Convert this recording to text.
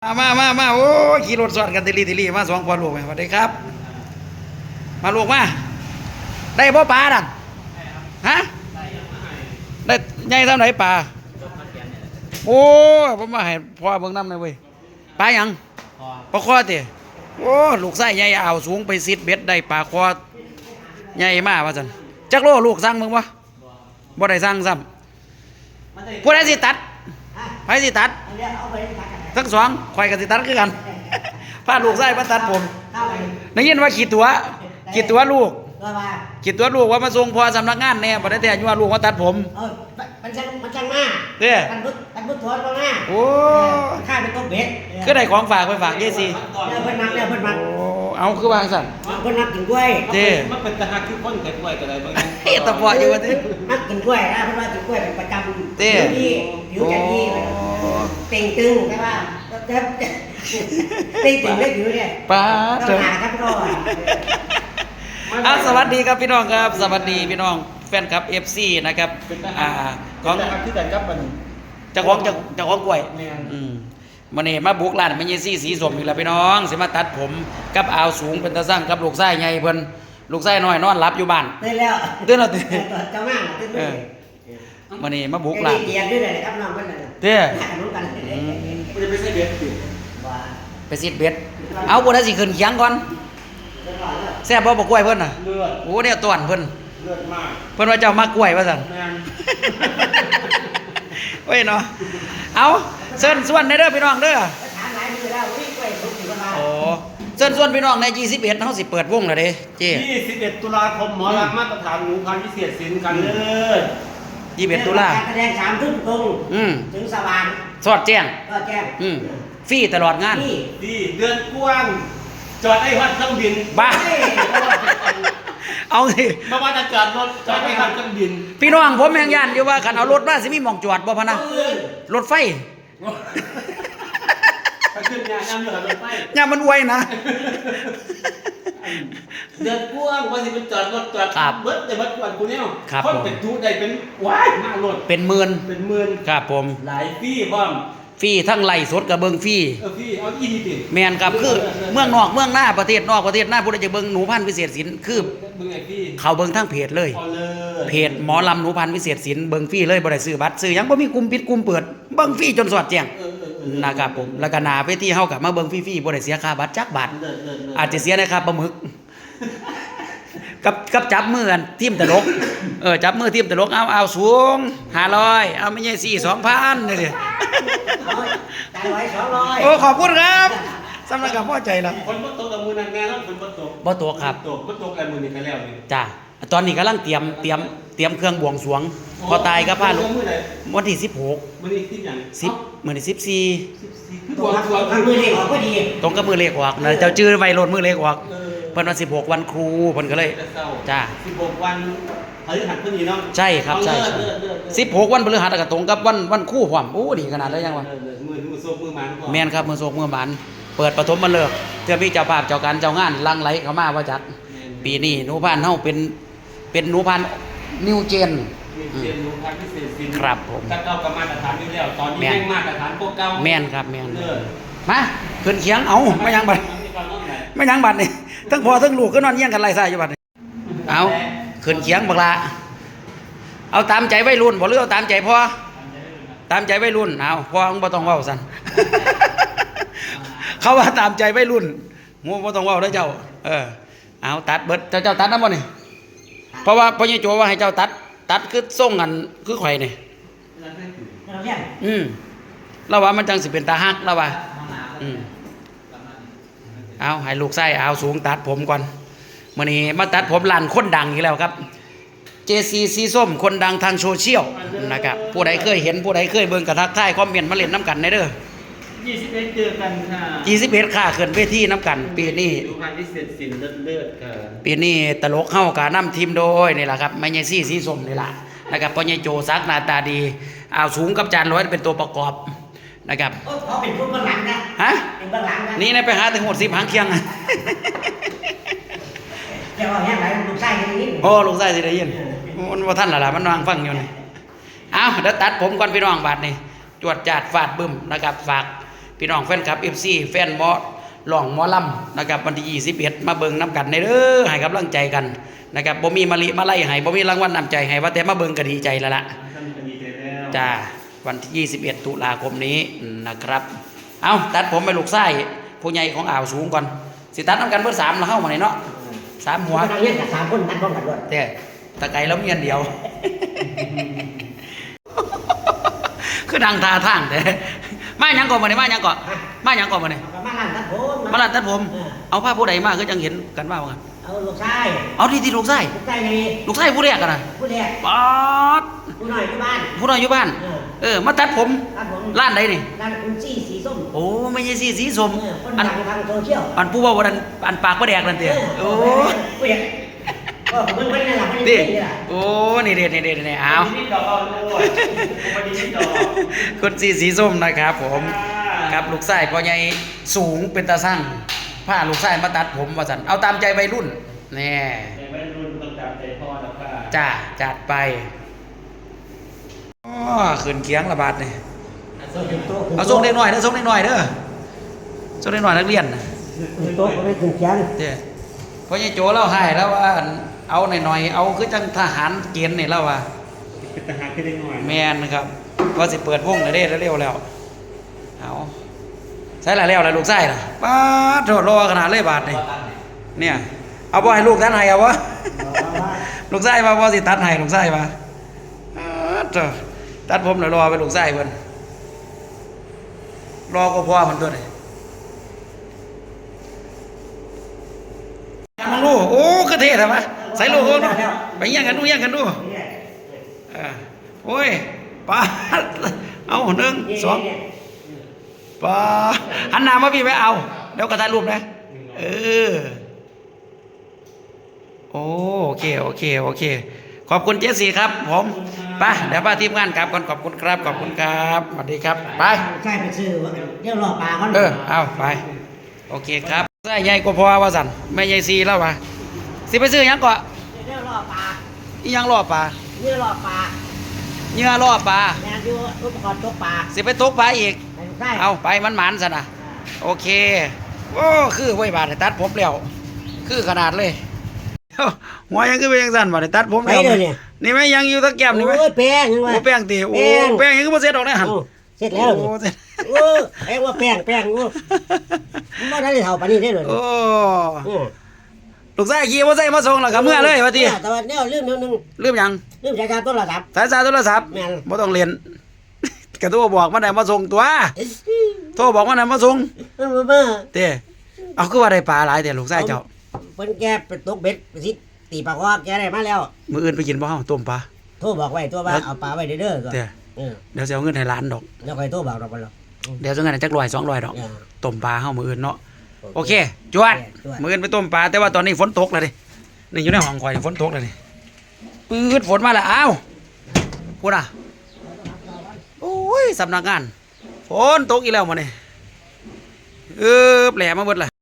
มาโอ้ขี่รถสอดกันติลีมาสองพ่อลูกสวัสดีครับมาลูกมาได้บ่ปลาดันฮะได้ใหญ่เท่าไหนปลาโอ้ผมมาให้พ่อเบิ่งน้ำเลยเว้ยปลาหยังปลาคอติโอ้ลูกไส้ใหญ่เอาสูงไปซิดเบ็ดได้ปลาคอใหญ่มากว่าสันจักโลลูกสั่งมึงวะบ่ได้สั่งซ้ำผู้ใดสิตัดใครสิตัดทั้งสองข่อยกับสิตัดคือกันพาลูกไส้มาตัดผมได้ยินว่าขีดตัวลูกขีดตัวลูกว่ามาส่งพอสำนักงานแน่บ่ได้แต่ยัวลูกมาตัดผมมันช่างมากเด้อมันพุทธอนมาโอ้ข้าเป็นต้มเบ็ดก็ได้ของฝากไปฝากเยซี่เพิ่นมักโอ้เอาคือวางสั่นเพิ่นมักกินกล้วยเด้มันเป็นตะหักคือคนกินกล้วยก็ได้บางเฮ้ยตะปออยู่ว่าติมักกินกล้วยนะเพิ่นว่ากินกล้วยเป็นประจำเด้ผิวจะดีเต่งตึงใช่ป่ะเต็มตึงได้อยู่เนี่ยป้าเจ้าหาครับสวัสดีครับพี่น้องครับสวัสดีพี่น้องแฟนคลับ FC นะครับของที่แต่กับมันเจ้าของกล้วยมื้อนี้มาบุกร้านแม่ยี่ซี่สีส้มอีกแล้วพี่น้องสิมาตัดผมกับอาวสูงเป็นตาสร้างกับลูกไส้ใหญ่เพิ่นลูกไส้น้อยนอนหลับอยู่บ้านตื่นแล้วตื่นเจ้ามาตื่นมื้อนี้มาบุกร้านเกียรด้วยเลยครับน้องเพิ่นน่ะเด้อรู้กันมันจะไปใส่เบ็ดสิไปซิดเบ็ดเอาบ่ได้สิขึ้นเคียงก่อนแซ่บบ่กล้วยเพิ่นน่ะเลือดโอ้เนี่ยต้อนเพิ่นเลือดมากเพิ่นว่าเจ้ามากล้วยว่าซั่นเว้ยเนาะเอาเชิญชวนได้เด้อพี่น้องเด้อถามหลายมื้อแล้ววิ่งกล้วยทุกมื้อว่าโอ้เชิญชวนพี่น้องใน21เฮาสิเปิดวงแล้วเด้เจ้ 21ตุลาคมหมอลำมาตรฐานหนูพันพิเศษศิลป์กันเลย 21ตุลาการแสดง3 ทุ่มตรงถึงสว่างสอดแจ้งฟรีตลอดงานดีเดือนกว้างจอดไอ้ฮอดเครื่องบินบ้าเอาสิมาว่าจะจอดรถจอดไอ้ฮอดเครื่องบินพี่น้องผมแม่งย่านอยู่ว่าคันเอารถมาสิมีหม่องจอดบ่พะนะรถไฟไปขึ้นงานเหลือรถไฟย่ามันอวยนะเดือนกว้างว่าสิเป็นจอดรถจอดเบิดแต่เบิดกวนกูเนี่ยคนเป็นทุได้เป็นว้ายมากรถเป็นหมื่นครับผมหลายฟี่บ้างฟรีทั้งไล่สดกับเบิงฟรีฟรีเอาอีดีติแม่นครับคือเมืองนอกเมืองหน้าประเทศนอกประเทศหน้าผู้ใดจะเบิงหนูพันธุ์วิเศษศิลป์คือเขาเบิงทั้งเพจเลยเพจหมอลำหนูพันธุ์วิเศษศิลป์เบิงฟรีเลยบ่ได้ซื้อบัตรซื้อหยังบ่มีกลุ่มปิดกลุ่มเปิดเบิงฟรีจนสอดแจ้งนะครับผมแล้วก็หน้าเวทีเฮาก็มาเบิงฟรีๆบ่ได้เสียค่าบัตรจักบาทอาจจะเสียในค่าปลาหมึกกับจับมือกันทีมตลกจับมือทีมตลกเอาสูง500เอาไม่ใช่2,000นี่ดิโอ้ขอบคุณครับสำหรับกับพ่อใจละคนบ่ตกกับมือนั่นแน่นอนคนบ่ตกบ่ตกครับบ่ตกกับมือนี่กันแล้วนี่จ้าตอนนี้กำลังเตรียมเครื่องบวงสรวงพอตายก็พาลูกวันที่16 มื้อนี้ที่หยัง 10มื้อนี้14 ตรงกับมือเลขออกพอดีตรงกับมือเลขออกเจ้าชื่อไวโรดมือเลขออกเพิ่นว่า16วันครูเพิ่นก็เลยจ้า 16วันพฤหัสมื้อนี้เนาะใช่ครับใช่16วันพฤหัสก็ตรงกับวันครูพร้อมโอ้ดีขนาดเลยยังวะมือโศกมือหมันแม่นครับมือโศกมือหมันเปิดปฐมฤกษ์เทื่อมีเจ้าภาพเจ้าการเจ้างานลังไหลเข้ามาว่าจัดปีนี้หนูพันธุ์เฮาเป็นหนูพันธุ์นิวเจนหนูพันธุ์พิเศษศิลป์ครับผมถ้าเก่ากับมาตรฐานอยู่แล้วตอนนี้แม่งมาตรฐานพวกเก่าแม่นครับแม่นมาขึ้นเคียงเอาไม่ยังบัดนี่ทั้งพ่อทั้งลูกก็นอนเยี่ยงกันไล่ซ่าอยู่บัดนี่เอาขึ้นเคียงบักละเอาตามใจวัยรุ่นบ่หรือเอาตามใจพ่อตามใจวัยรุ่นเอาพ่อบ่ต้องเว้าซั่นเขาว่าตามใจวัยรุ่นงูบ่ต้องเว้าเด้อเจ้าเอาตัดเบิดเจ้าตัดนำบ่นี่เพราะว่าพ่อใหญ่โจว่าให้เจ้าตัดคือส่งกันคือข่อยนี่แล้วว่ามันจังสิเป็นตาฮักแล้วว่าเอาให้ลูกไส้เอาสูงตัดผมก่อนมื้อนี้มาตัดผมร้านคนดังอีกแล้วครับ JC สีส้มคนดังทางโซเชียลนะครับผู้ใดเคยเห็นผู้ใดเคยเบิ่งกระทักทายคอมเมนต์มาเล่นน้ำกันได้เด้อ 21เจอกันค่ะ 21ค่ะขึ้นเวทีน้ำกันปีนี้ดูพันธุ์พิเศษศิลป์เลิศค่ะปีนี้ตลกเฮาก็นำทีมโดยนี่ล่ะครับแม่ใหญ่ซี่สีส้มนี่ล่ะนะครับพ่อใหญ่โจซักหน้าตาดีเอาสูงกับจานร้อยเป็นตัวประกอบนะครับเขาเป็นผู้เบื้องหลังนะฮะเป็นเบื้องหลังนะนี่นะไปหาถึง10หางเคียงจะว่าแห้งไหลลูกไส้ได้ยินโอ้ลูกไส้สิได้ยินมันบ่ทันล่ะมันวางฟังอยู่นี่เอาเดี๋ยวตัดผมก่อนพี่น้องบาดนี้จวดจาดฟาดบึ้มนะครับฝากพี่น้องแฟนคลับ FC แฟนหมอหลองหมอลำนะครับวันที่21มาเบิ่งน้ำกันในเด้อให้กำลังใจกันนะครับบ่มีมะลิมาไล่ให้บ่มีรางวัลนำใจให้ว่าแต่มาเบิ่งก็ดีใจแล้วล่ะท่านก็ดีใจแล้วจ้าวันที่21ตุลาคมนี้นะครับเอาตัดผมไปลูกไส้ผู้ใหญ่ของอ่าวสูงก่อนสิตัดน้ำกันเพื่อ3แล้วเข้ามาไหนเนาะ3หัวเราเรียกกับ3คนนัดพร้อมกันด้วยแต่ตะไกแล้วมีอันเดียว คือดังทาทางแต่มาหยังก่อนมาเนี่ยมาหยังก่อนมาหยังก่อนมาเนี่ยมาลั่นตัดผมมาลาดตัดผม เอาผ้าผู้ใดมาคือจังเห็นกันว่ากันเอาลูกชายเอาที่ลูกไส้ลูกชายนี่ลูกไส้ผู้แรกกันนะผู้แรกป๊อดผู้น้อยที่บ้านผู้น้อยอยู่บ้านมาตัดผมตัดผมร้านใดนี่ร้านคุณจี้สีส้มโอ้ไม่ใช่สีส้มคนอันดังทางโซเชียลอันผู้ว่าวันนั้นอันปากประแดกนั่นเตี้ยโอ้ผู้แรกก็มันไม่ได้หลับไม่ดิได้นี่แหละโอ้นี่เด็ดนี่เด็ดนี่เอาวันนี้ดอกเอาด้วยวันนี้ดอกคนสีส้มนะครับผมครับลูกไส้พ่อใหญ่สูงเป็นตาสั่งผ้าลูกไส้มาตัดผมว่าสันเอาตามใจวัยรุ่นแน่แต่ไม่รุ่นต้องตามใจพ่อแล้วค่ะจ้าจัดไปอ๋อขึ้นเคียงระบาดนี่เอาส่งเด็กหน่อยเด้อส่งเด็กหน่อยเด้อส่งเด็กหน่อยนักเรียนน่ะโต๊ะก็ไม่ถึงเชียงเด้อพ่อใหญ่โจเล่าให้แล้วว่าเอาหน่อยๆเอาคือจังทหารเกณฑ์นี่แล้วว่าเป็นทหารขึ้นได้หน่อยแมนนะครับว่าสิเปิดวงเลยเด้เร็วๆแล้วเอาใช่ละแล้วละลูกไส้ล่ะป้าดโทษรอขนาดเลยบาทนี่เนี่ยเอาบ่ให้ลูกตัดให้เอาวะ ลูกไส้มาบ่สิตัดให้ลูกไส้มาป๊าดโถ่ตัดผมแล้วรอไปลูกไส้เพิ่นรอก็พอมันตัวนี่มองดูโอ้คือเท่ทำไมใส่ลูกดูไปแย่งกันดูแย่งกันดูโอ้ยป้าดเอาหนึ่งสองป้าดหันหน้ามาพี่ไปเอาเดี๋ยวกระถ่ายรูปนะโอเคโอเคขอบคุณเจสซี่ครับผมไปเดี๋ยวป้าทีมงานกลับก่อนขอบคุณครับขอบคุณครับสวัสดีครับไปใช่ไปซื้อเดี๋ยวรอปลาก่อนเอาไปโอเคครับใส่ใหญ่กว่าพอว่าสั่นแม่ใหญ่ซีแล้ววะสิไปซื้อหยังก่อนเดี๋ยวรอปลาอีหยังล่อปลาเดี๋ยวรอปลาเหยื่อล่อปลาแม่อยู่อุปกรณ์ตกปลาสิไปตกปลาอีกไปลูกชายเอาไปมันหมันซะนะโอเคโอ้คือไว้บาดตัดผมแล้วคือขนาดเลยหัวยังคือไปยังสั่นบาดตัดผมไปแล้วเดี๋ยวนี้นี่ไหมยังอยู่ตะแก้มนี่ไหมโอ้ยแป้งยังไงโอ้แป้งตีโอ้แป้งยังก็บ่เสร็จดอกนะหันเสร็จแล้วโอ้นี่เสร็จโอ้แป้งว่าแป้งโอ้ไม่ได้เท่าปานนี้ได้เลยโอ้ลูกชายขี่มอเตอร์ไซค์มาส่งแล้วก็เมื่อเลยว่าติแต่ว่าเนี่ยลืมนึงลืมหยังลืมใช้การต้นระดับสายโทรศัพท์แม่นบ่ต้องเรียน กระโทรบอกมันได้มาส่งตัวโทรบอกมันได้มาส่งมาเต้เอาคือว่าได้ปลาหลายแต่ลูกชายเจ้าเพิ่นแกไปตกเบ็ดไปสิตีปลาคอแกได้มาแล้วมื้ออื่นไปกินบ่เฮาต้มปลาโทรบอกไว้ตัวว่าเอาปลาไว้เด้อก็เต้เดี๋ยวสิเอาเงินให้หลานดอกแล้วค่อยโทรบอกดอกบ่ล่ะเดี๋ยวสิเอาเงินให้จัก100 200ดอกอ่าต้มปลาเฮามื้ออื่นเนาะโอเคจวดจวดมื้ออื่นไปต้มปลาแต่ว่าตอนนี้ฝนตกแล้วดินี่อยู่ในห้องข่อยฝนตกแล้วนี่ปื๊ดฝนมาแล้วอ้าวพูดอ่ะโอ้ยสำนักงานฝนตกอีกแล้วมื้อนี้แหลมาเบิดล่ะ